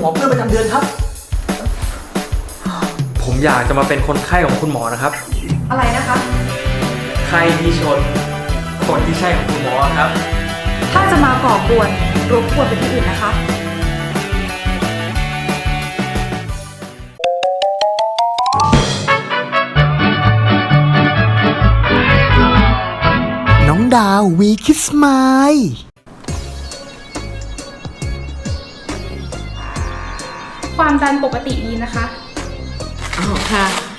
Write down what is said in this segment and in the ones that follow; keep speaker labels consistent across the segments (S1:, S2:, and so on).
S1: อเพื่อประจำเดือนครับผมอยากจะมาเป็นคนไข้ของคุณหมอนะครับ
S2: อะไรนะคะ
S1: ไข้ที่ชนคนที่ใช่ของคุณหมอครับ
S2: ถ้าจะมาก่อกวนรบกวนไปที่อื่นนะคะ
S3: น้องดาววีคิสไมล์
S4: ความดันปกติดีนะคะ
S5: อ๋อค่ะ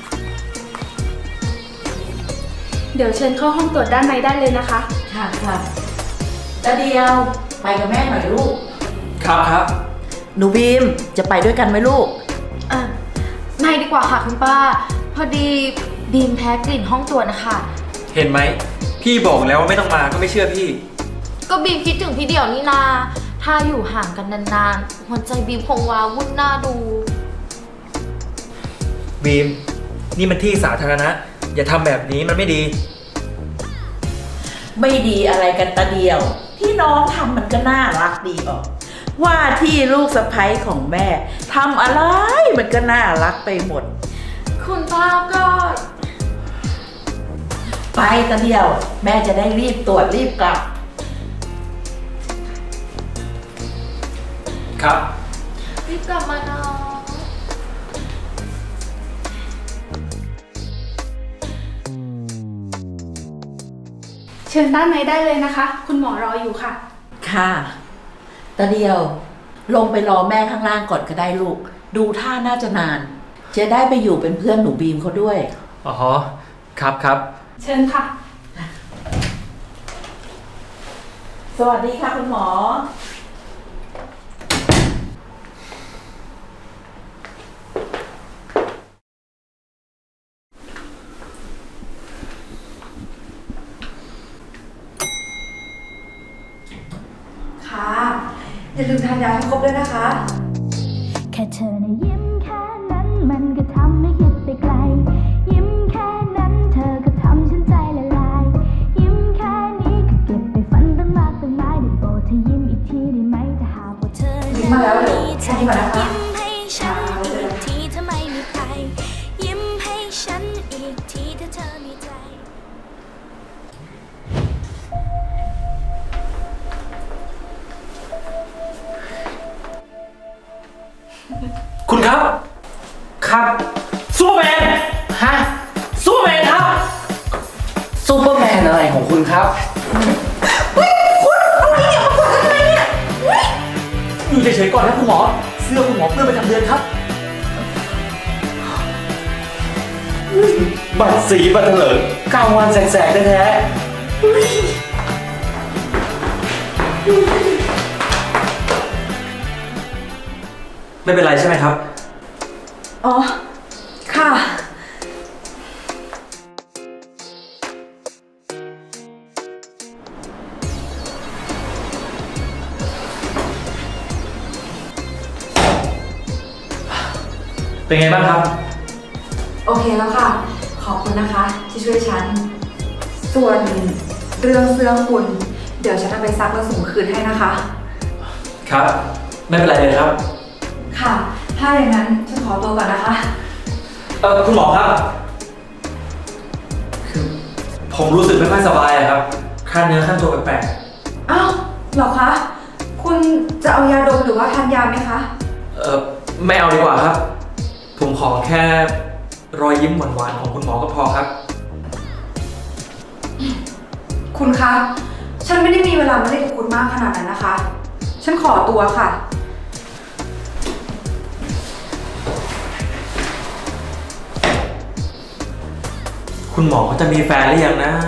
S4: เดี๋ยวเชิญเข้าห้องตรวจด้านในได้เลยนะคะ
S5: ค่ะค่ะตาเดียวไปกับแม่หน่อยลูก
S1: ครับ
S5: หนูบีมจะไปด้วยกันไหมลูก
S2: ไม่ดีกว่าค่ะคุณป้าพอดีบีมแพ้กลิ่นห้องตรวจนะคะ
S1: เห็นไหมพี่บอกแล้วว่าไม่ต้องมาก็ไม่เชื่อพี่
S2: ก็บีมคิดถึงพี่เดี่ยวนี่นาถ้าอยู่ห่างกันนานๆหัวใจบีมคงว้าวุ่นหน้าดู
S1: บีมนี่มันที่สาธารณะอย่าทำแบบนี้มันไม่ดี
S5: ไม่ดีอะไรกันตาเดียวที่น้องทำมันก็น่ารักดีออกว่าที่ลูกสะใภ้ของแม่ทำอะไรมันก็น่ารักไปหมด
S2: คุณป้าก็
S5: ไปตาเดียวแม่จะได้รีบตรวจรีบกลับ
S1: ครับ
S2: รีบกลับมาเนาะ
S4: เชิญด้านในได้เลยนะคะคุณหมอรออยู่ค่ะ
S5: ค่ะตาเดียวลงไปรอแม่ข้างล่างก่อนก็ได้ลูกดูท่าน่าจะนานจะได้ไปอยู่เป็นเพื่อนหนูบีมเขาด้วย
S1: อ๋อครับ
S4: เชิญค่ะ
S5: สวัสดีค่ะคุณหมอ
S2: ค่ะอย่าลืมทานยาให้ครบด้วยนะคะ
S6: แค่เธอนะยิ้มแค่นั้นมันก็ทำให้คิดไปไกลยิ้มแค่นั้นเธอก็ทำฉันใจละลายยิ้มแค่นี้ก็เก็บไปฝันตั้งมากตั้งหลายได้โปรดเธอยิ้มอีกทีได้ไหมถ้าหากว่าเธอยิ้มมาแล้วเดี๋ยวแค่นี้ก่อนนะคะยิ้มให้ฉันอีกทีถ้าไม่มีใครยิ้มให้ฉันอีกทีถ้าเธอมีใจ
S1: คุณครับซูเปอร์แมนฮะซูเปอร์แมนครับซูเปอร์แมนอะไรของคุณครับคุณเอานี่มากดทำไมเนี่ยอยู่เฉยๆก่อนนะคุณหมอเสื้อคุณหมอเพื่อประจำเดือนครับ
S7: บัตรสีบัตรเถลิงกลางวันแสกๆแท้
S1: ไม่เป็นไรใช่ไหมครับ
S2: อ๋อค่ะ
S1: เป็นไงบ้างครับ
S2: โอเคแล้วค่ะขอบคุณนะคะที่ช่วยฉันส่วนเรื่องเสื้อคุณเดี๋ยวฉันจะไปซักแล้วส่งคืนให้นะคะ
S1: ครับไม่เป็นไรเลยครับ
S2: ค่ะถ้าอย่างนั้นฉันขอตัวก่อนนะคะ
S1: คุณหมอครับคือผมรู้สึกไม่ค่อยสบายครับขั้นเนื้อขั้นตัวแปลก
S2: ๆอ้าวเหรอคะคุณจะเอายาดมหรือว่าทานยาไหมคะ
S1: ไม่เอาดีกว่าครับผมขอแค่รอยยิ้มหวานๆของคุณหมอก็พอครับ
S2: คุณคะฉันไม่ได้มีเวลามาเล่นกับคุณมากขนาดนั้นนะคะฉันขอตัวค่ะ
S1: คุณหมอเขาจะมีแฟนหรือยังนะ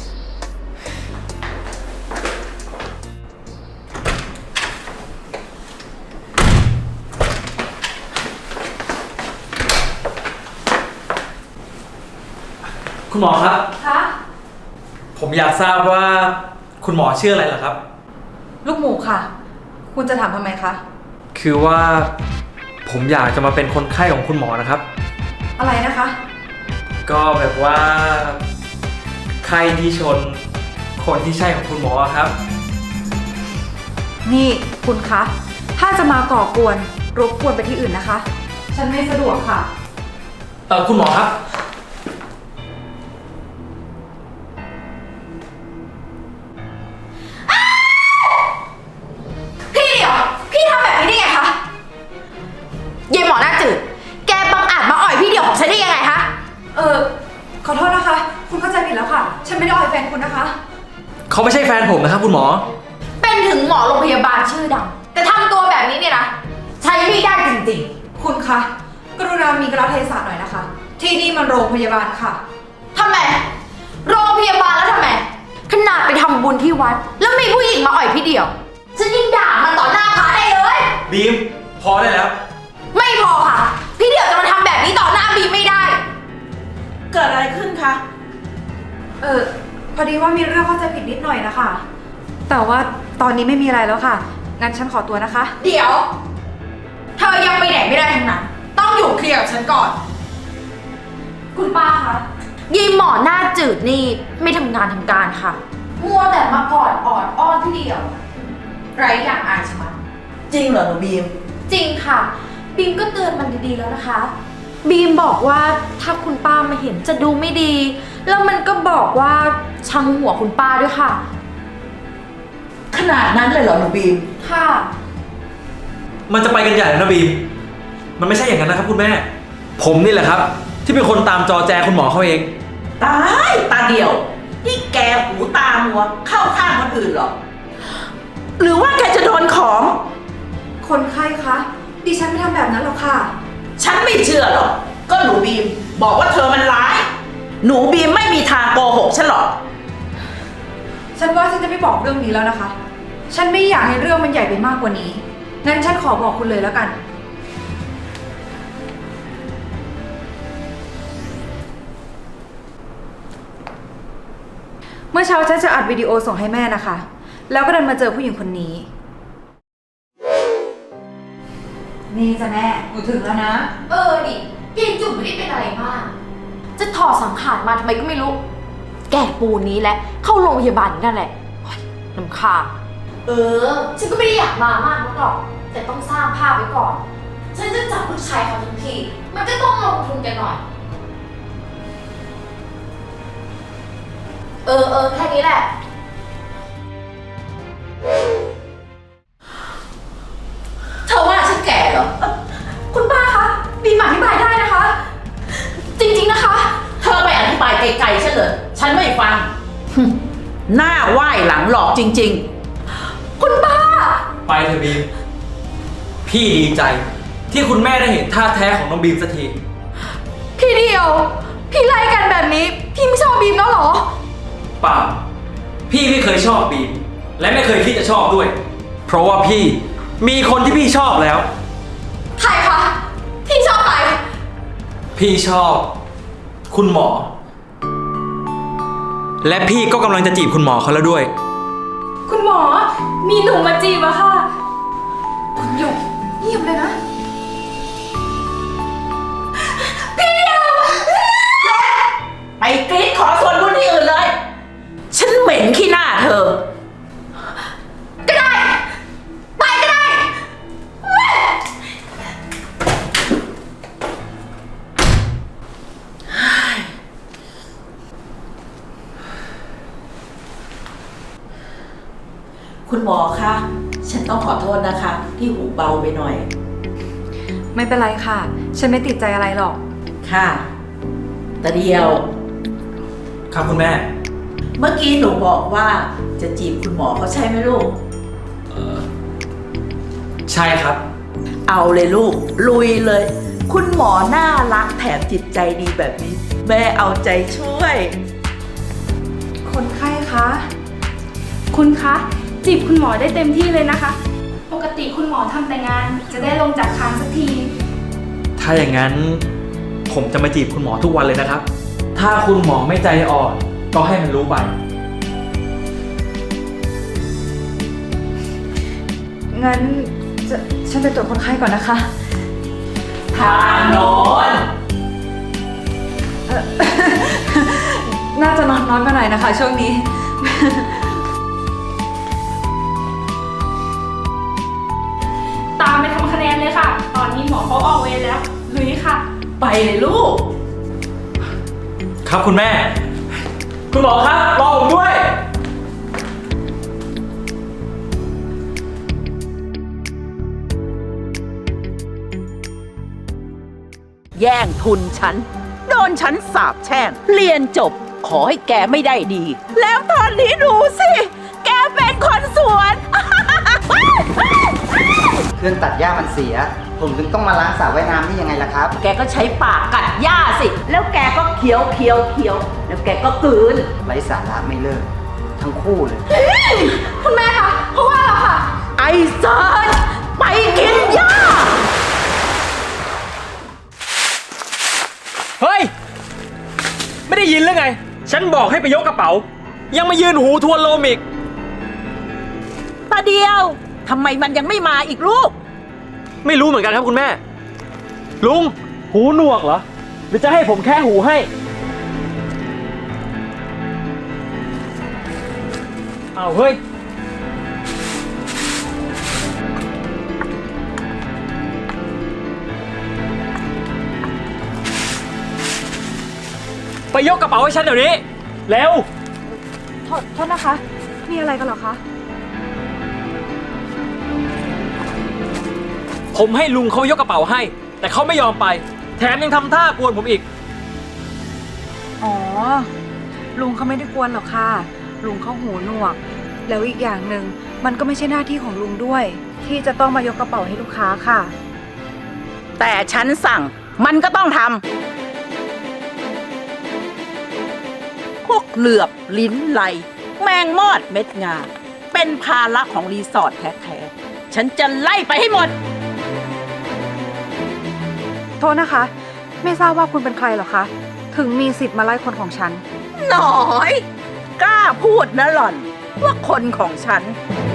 S1: คุณหมอครับ
S2: คะ
S1: ผมอยากทราบว่าคุณหมอชื่ออะไรเหรอครับ
S2: ลูกหมูค่ะคุณจะถามทำไมคะ
S1: คือว่าผมอยากจะมาเป็นคนไข้ของคุณหมอนะครับ
S2: อะไรนะคะ
S1: ก็แบบว่าไข้ที่ชนคนที่ใช่ของคุณหมอครับ
S2: นี่คุณคะถ้าจะมาก่อกวนรบกวนไปที่อื่นนะคะ ฉันไม่สะดวกค่ะ
S1: คุณหมอครับ
S8: พี่เดี๋ยว พี่ทำแบบนี้ได้ไงคะยายหมอหน้าจืด แกบังอาจมาอ่อยพี่เดี่ยวของฉันได้ยังไงคะ
S2: ขอโทษนะคะ คุณเข้าใจผิดแล้วค่ะ ฉันไม่ได้อ่อยแฟนคุณนะคะ
S1: เขาไม่ใช่แฟนผมนะครับคุณหมอ
S8: เป็นถึงหมอโรงพยาบาลชื่อดัง แต่ทำตัวแบบนี้เนี่ยนะ ใช้ไม่ได้จริง
S2: คุณคะ กรุณามีกระเทศะหน่อยนะคะ ที่นี่มันโรงพยาบาลค่ะ
S8: ๆทำไม โรงพยาบาลแล้วทำไม ขนาดไปทำบุญที่วัด แล้วมีผู้หญิงมาอ่อยพี่เดี่ยว ฉันยิ่งด่ามันต่อหน้าพระได้เลย
S1: บีม พอได้แล้ว
S8: ไม่พอค่ะ พี่เดี่ยวจะมาทำแบบนี้ต่อหน้าบีไม่ได้
S5: เกิดอะไรขึ้นคะ
S2: พอดีว่ามีเรื่องเข้าใจผิดนิดหน่อยนะคะ แต่ว่าตอนนี้ไม่มีอะไรแล้วค่ะ งั้นฉันขอตัวนะคะ
S8: เดี๋ยว เธอยังไปไหนไม่ได้ทั้งนั้น ต้องอยู่เคลียร์กับฉันก่อน คุณป้าคะยีหมอหน้าจืดนี่ไม่ทำงานทำการค่ะ มัวแต่มากอดออดอ้อนพี่เดียว ไรอย่างอายชะมัด
S5: จริงเหรอหนูบีม
S8: จริงค่ะ บีมก็เตือนมันดีๆแล้วนะคะ บีมบอกว่าถ้าคุณป้ามาเห็นจะดูไม่ดี แล้วมันก็บอกว่าชังหัวคุณป้าด้วยค่ะ
S5: ขนาดนั้นเลยเหรอหนูบีม
S8: ค่ะ
S1: มันจะไปกันใหญ่แล้วนะบีม มันไม่ใช่อย่างนั้นนะครับคุณแม่ ผมนี่แหละครับ ที่เป็นคนตามจอแจคุณหมอเขาเอง
S5: ตายตาเดียว นี่แกหูตามัว เข้าข้างคนอื่นเหรอ หรือว่าแกจะโดนของ
S2: คนไข้คะ ดิฉันไม่ทำแบบนั้นหรอกค่ะ
S5: ฉันไม่เชื่อหรอก ก็หนูบีม บอกว่าเธอมันร้าย หนูบีมไม่มีทางโกหกฉันหรอก
S2: ฉันว่าฉันจะไม่บอกเรื่องนี้แล้วนะคะ ฉันไม่อยากให้เรื่องมันใหญ่ไปมากกว่านี้ งั้นฉันขอบอกคุณเลยแล้วกัน เมื่อเช้าฉันจะอัดวิดีโอส่งให้แม่นะคะ แล้วก็เดินมาเจอผู้หญิงคนนี้ นี่จ้ะแม่หนูถึงแล้วนะ
S8: ดิยายจุ๋มไม่ได้เป็นอะไรมาก จะถอดสังขารมาทำไมก็ไม่รู้ แก่ปูนนี้แหละ เข้าโรงพยาบาลอยู่นั่นแหละโอ๊ยน้ำคาญฉันก็ไม่ได้อยากมามากนักหรอก แต่ต้องสร้างภาพไว้ก่อน ฉันจะจับลูกชายเขาทั้งที มันก็ต้องลงทุนกันหน่อย แค่นี้แหละ เธอว่าฉันแก่เหรอ คุณป้าคะ บีมอธิบายได้นะคะ จริงๆนะคะ
S5: เธอไปอธิบายไกลๆฉันเลย ฉันไม่ฟัง หน้าไหว้หลังหลอกจริง
S8: คุณป้า
S1: ไปเถอะบีม พี่ดีใจ ที่คุณแม่ได้เห็นท่าแท้ของน้องบีมสักที
S8: พี่เดียว พี่ไล่กันแบบนี้ พี่ไม่ชอบบีมแล้วเหรอ
S1: เปล่า พี่ไม่เคยชอบบีม และไม่เคยคิดจะชอบด้วย เพราะว่าพี่มีคนที่พี่ชอบแล้ว
S8: ใครคะ พี่ชอบใคร
S1: พี่ชอบ คุณหมอ และพี่ก็กำลังจะจีบคุณหมอเขาแล้วด้วย
S4: คุณหมอ มีหนุ่มมาจีบอะค่ะ
S2: คุณหยกเงียบเลยนะ
S5: ๆ ไปกรี๊ดขอส่วนบุญที่อื่นเลย ฉันเหม็นขี้หน้าเธอ
S8: ก็ได้ ไปก็ได้
S5: คุณหมอคะ ฉันต้องขอโทษนะคะ ที่หูเบาไปหน่อย
S2: ไม่เป็นไรค่ะ ฉันไม่ติดใจอะไรหรอก
S5: ค่ะตาเดียว
S1: ครับคุณแม่
S5: เมื่อกี้หนูบอกว่าจะจีบคุณหมอเขาใช่ไหมลูก
S1: ใช่ครับ
S5: เอาเลยลูก ลุยเลย คุณหมอน่ารักแถมจิตใจดีแบบนี้ แม่เอาใจช่วย
S2: คนไข้คะ
S4: คุณคะ จีบคุณหมอได้เต็มที่เลยนะคะ ปกติคุณหมอทำแต่งานจะได้ลงจากคานสักที
S1: ถ้าอย่างนั้นผมจะมาจีบคุณหมอทุกวันเลยนะครับ ถ้าคุณหมอไม่ใจอ่อนก็ให้มันรู้ไป
S2: งั้นฉันไปตรวจคนไข้ก่อนนะคะ
S5: ทางโน้น
S2: น่าจะนอนน้อยไปหน่อยนะคะ ช่วงนี้
S4: ตามไปทำคะแนนเลยค่ะตอนนี้หมอเขาออกเวรแล้ว ลุยค่ะ
S5: ไปเลยลูก
S1: ครับคุณแม่ คุณหมอครับรอผมด้วย
S5: แย่งทุนฉัน โดนฉันสาปแช่ง เรียนจบขอให้แกไม่ได้ดี แล้วตอนนี้ดูสิ แกเป็นคนสวน
S9: เครื่องตัดหญ้ามันเสีย ผมถึงต้องมาล้างสระว่ายน้ำนี่ยังไงล่ะครับ
S5: แกก็ใช้ปากกัดหญ้าสิ แล้วแกก็เคี้ยวเคี้ยวเคี้ยว แล้วแกก็กลืน
S9: ไร้สาระไม่เลิก ทั้งคู่เลย
S8: คุณแม่คะเพราะว่าเราค่ะ
S5: ไอ้เซิร์ชไปกินหญ้า
S1: เฮ้ย ไม่ได้ยินหรือไง ฉันบอกให้ไปยกกระเป๋า ยังมายืนหูทวนลมอีก
S5: ตาเดียวทำไมมันยังไม่มาอีกลูก
S1: ไม่รู้เหมือนกันครับคุณแม่ ลุง หูหนวกเหรอ หรือจะให้ผมแค่หูให้ เอาเฮ้ย ไปยกกระเป๋าให้ฉันเดี๋ยวนี้ เร็ว
S2: โทษนะคะ มีอะไรกันเหรอคะ
S1: ผมให้ลุงเขายกกระเป๋าให้ แต่เขาไม่ยอมไป แถมยังทำท่ากวนผมอีก
S2: อ๋อ ลุงเขาไม่ได้กวนหรอกค่ะ ลุงเขาหูหนวก แล้วอีกอย่างหนึ่งมันก็ไม่ใช่หน้าที่ของลุงด้วย ที่จะต้องมายกกระเป๋าให้ลูกค้าค่ะ
S5: แต่ฉันสั่งมันก็ต้องทำ พวกเหลือบลิ้นไหล แมงมอดเม็ดงา เป็นภาระของรีสอร์ทแท้ๆ ฉันจะไล่ไปให้หมด
S2: โทษนะคะ ไม่ทราบว่าคุณเป็นใครเหรอคะ ถึงมีสิทธิ์มาไล่คนของฉัน
S5: หน่อย กล้าพูดนะหล่อน ว่าคนของฉัน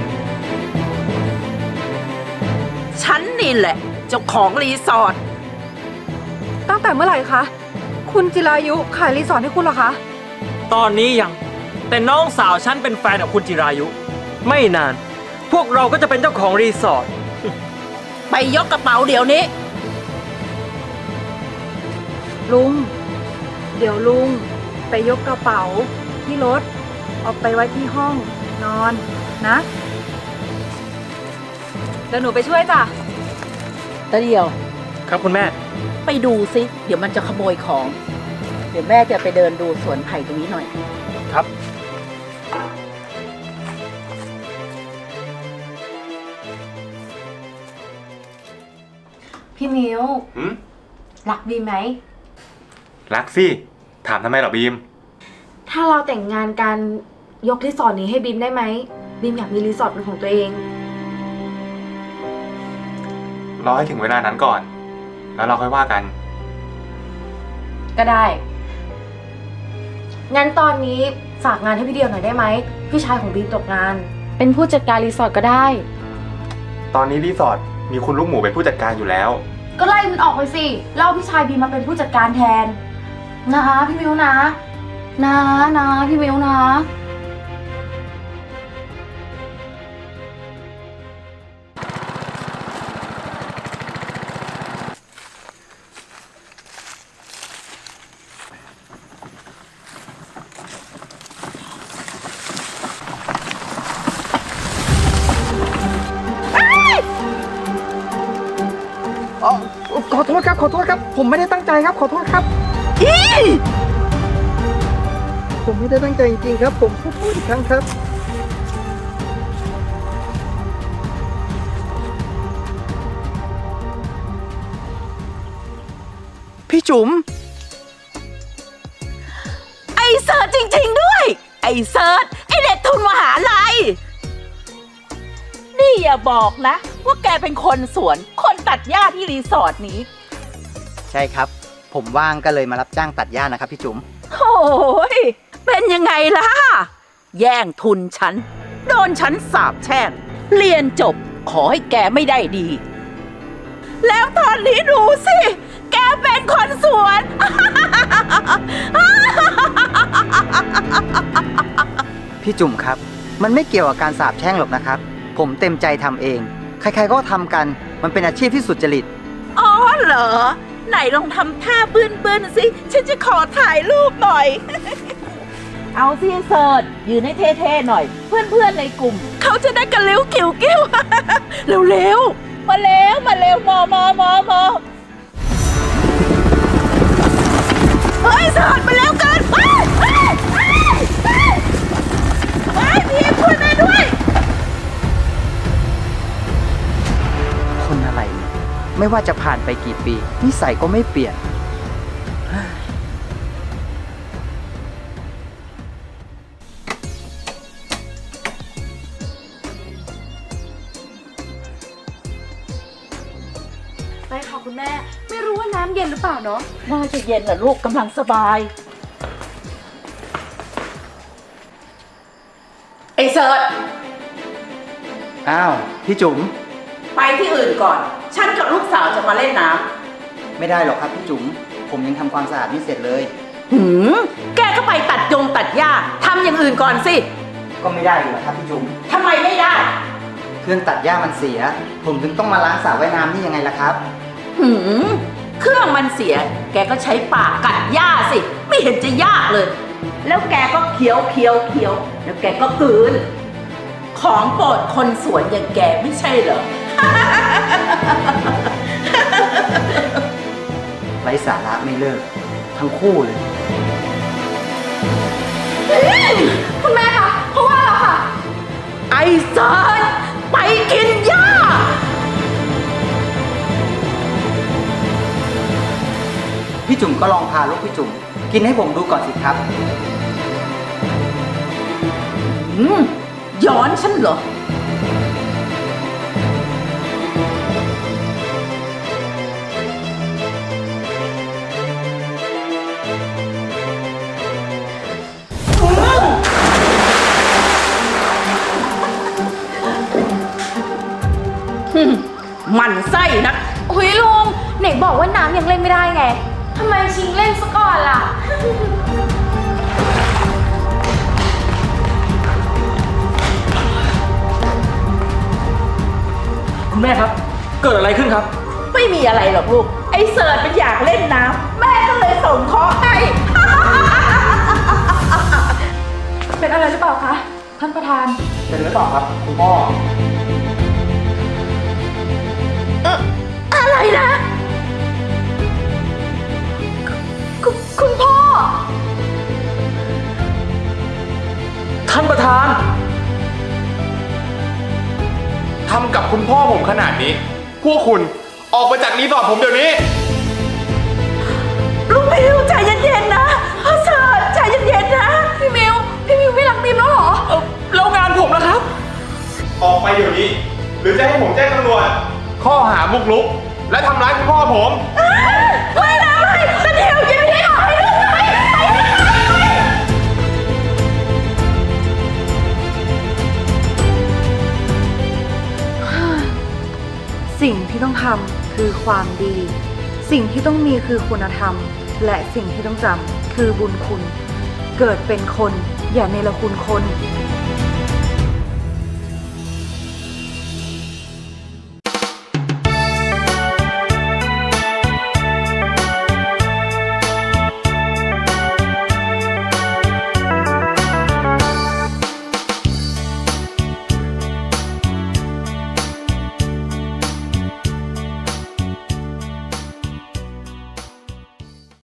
S5: ฉันนี่แหละ เจ้าของรีสอร์ท
S2: ตั้งแต่เมื่อไหร่คะ คุณจิรายุขายรีสอร์ทให้คุณเหรอคะ
S1: ตอนนี้ยัง แต่น้องสาวฉันเป็นแฟนกับคุณจิรายุ ไม่นาน พวกเราก็จะเป็นเจ้าของรีสอร์ท
S5: ไปยกกระเป๋าเดี๋ยวนี้
S2: ลุง เดี๋ยวลุงไปยกกระเป๋าที่รถเอาไปไว้ที่ห้องนอนนะ เดี๋ยวหนูไปช่วยจ้ะ
S5: ตาเดียว
S1: ครับคุณแม่
S5: ไปดูสิ เดี๋ยวมันจะขโมยของ เดี๋ยวแม่จะไปเดินดูสวนไผ่ตรงนี้หน่อย
S1: ครับ
S8: พี่มิว
S7: หืม
S8: รักบีมไหม
S7: รักสิ ถามทำไมเหรอบีม
S8: ถ้าเราแต่งงานกันยกรีสอร์ทนี้ให้บีมได้ไหมบีมอยากมีรีสอร์ทเป็นของตัวเอง
S7: รอให้ถึงเวลานั้นก่อน แล้วเราค่อยว่ากัน
S8: ก็ได้ งั้นตอนนี้ฝากงานให้พี่เดียวหน่อยได้ไหมพี่ชายของบีมตกงาน เป็นผู้จัดการรีสอร์ทก็ได้
S7: ตอนนี้รีสอร์ทมีคุณลูกหมูเป็นผู้จัดการอยู่แล้ว
S8: ก็ไล่มันออกไปสิเล่าพี่ชายบีมมาเป็นผู้จัดการแทนนะพี่มิวนะพี่มิวนะ
S9: ขอโทษครับ ขอโทษครับ ผมไม่ได้ตั้งใจครับ ขอโทษครับ ผมไม่ได้ตั้งใจจริงๆครับ ผมพูดอีกครั้งครับ พี่จุ๋ม
S5: ไอ้เซิร์ชจริง ๆ ด้วย ไอ้เซิร์ชไอ้เด็กทุนมหาลัย นี่อย่าบอกนะ ว่าแกเป็นคนสวน คนตัดหญ้าที่รีสอร์ทนี้
S9: ใช่ครับ ผมว่างก็เลยมารับจ้างตัดหญ้านะครับพี่จุ๋ม
S5: โอ้ยเป็นยังไงล่ะ แย่งทุนฉัน โดนฉันสาปแช่ง เรียนจบขอให้แกไม่ได้ดี แล้วตอนนี้ดูสิ แกเป็นคนสวน
S9: พี่จุ๋มครับ มันไม่เกี่ยวกับการสาปแช่งหรอกนะครับ ผมเต็มใจทำเอง ขใครๆก็ทำกัน มันเป็นอาชีพที่สุจริต
S5: อ๋อเหรอ ไหนลองทำท่าบื้นๆสิ ฉันจะขอถ่ายรูปหน่อย เอาสิเสิร์ชยืนให้เท่ๆหน่อย เพื่อนๆในกลุ่ม เขาจะได้กันเร็วกิ้วกิ้ว เร็วๆ มาเร็วมอเฮ้ยเสิร์ชมาเร็วเกินเฮ้ยทีมช่วยแม่ด้วย
S9: คนอะไรเนี่ยไม่ว่าจะผ่านไปกี่ปี นิสัยก็ไม่เปลี่ยน
S4: ไปค่ะคุณแม่ ไม่รู้ว่าน้ำเย็นหรือเปล่าเนาะ
S5: น่าจะเย็นแหละลูกกำลังสบาย ไอ้เสิร์ช
S9: อ้าว พี่จุ๋ม
S5: ไปที่อื่นก่อน ฉันกับลูกสาวจะมาเล่นน้
S9: ไม่ได้หรอกครับพี่จุ๋ม ผมยังทำความสะอาดไม่เสร็จเลย
S5: ำแกก็ไปตัดหญ้าทำอย่างอื่นก่อนสิ
S9: ก็ไม่ได้อยู่แล้วครับพี่จุ๋ม
S5: ทำไมไม่ได้
S9: เครื่องตัดหญ้ามันเสีย ผมถึงต้องมาล้างสระว่ายน้ำนี่ยังไงล่ะครับ
S5: เครื่องมันเสีย แกก็ใช้ปากกัดหญ้าสิ ไม่เห็นจะยากเลย แล้วแกก็เคี้ยวแล้วแกก็กลืน ของโปรดคนสวนอย่างแกไม่ใช่เหรอ
S9: ไร้สาระไม่เลิก ทั้งคู่เลย
S4: คุณแม่คะเพราะว่าเราค่ะ
S5: ไอ้เซิร์ชไปกินหญ้า
S9: พี่จุ๋มก็ลองพาลูกพี่จุ๋มกินให้ผมดูก่อนสิครับ
S5: ย้อนฉันเหรอ มันไส้นัก
S8: อุ้ยลุงไหนบอกว่าน้ำยังเล่นไม่ได้ไงทำไมชิงเล่นซะก่อนล่ะ
S1: คุณแม่ครับ เกิดอะไรขึ้นครับ
S5: ไม่มีอะไรหรอกลูก ไอ้เสิร์ชมันอยากเล่นน้ำแม่ก็เลยส่งเคราะห์ให้
S2: เป็นอะไรหรือเปล่าคะ ท่านประธาน
S9: เป็นหรือเปล่าครับคุณพ่อ
S5: อะไรนะ
S8: คุณพ่อ
S1: ท่านประธาน
S7: ทำกับคุณพ่อผมขนาดนี้ พวกคุณออกไปจากรีสอร์ทผมเดี๋ยวนี้
S5: ลูกมิวใจเย็นๆนะเสิร์ชใจเย็นๆนะ
S8: พี่มิวไม่รักบีมแล้วเหรอ
S1: แล้วงานผมนะครับ
S7: ออกไปเดี๋ยวนี้ หรือจะให้ผมแจ้งตำรวจ ข้อหาบุกรุก และทำร้ายคุณพ่อผม
S5: ไม่นะไม่แต่เดี๋ยวยังไม่ได้ออกให้ลูกไป
S2: สิ่งที่ต้องทำคือความดี สิ่งที่ต้องมีคือคุณธรรม และสิ่งที่ต้องจำคือบุญคุณ เกิดเป็นคนอย่าเนรคุณคน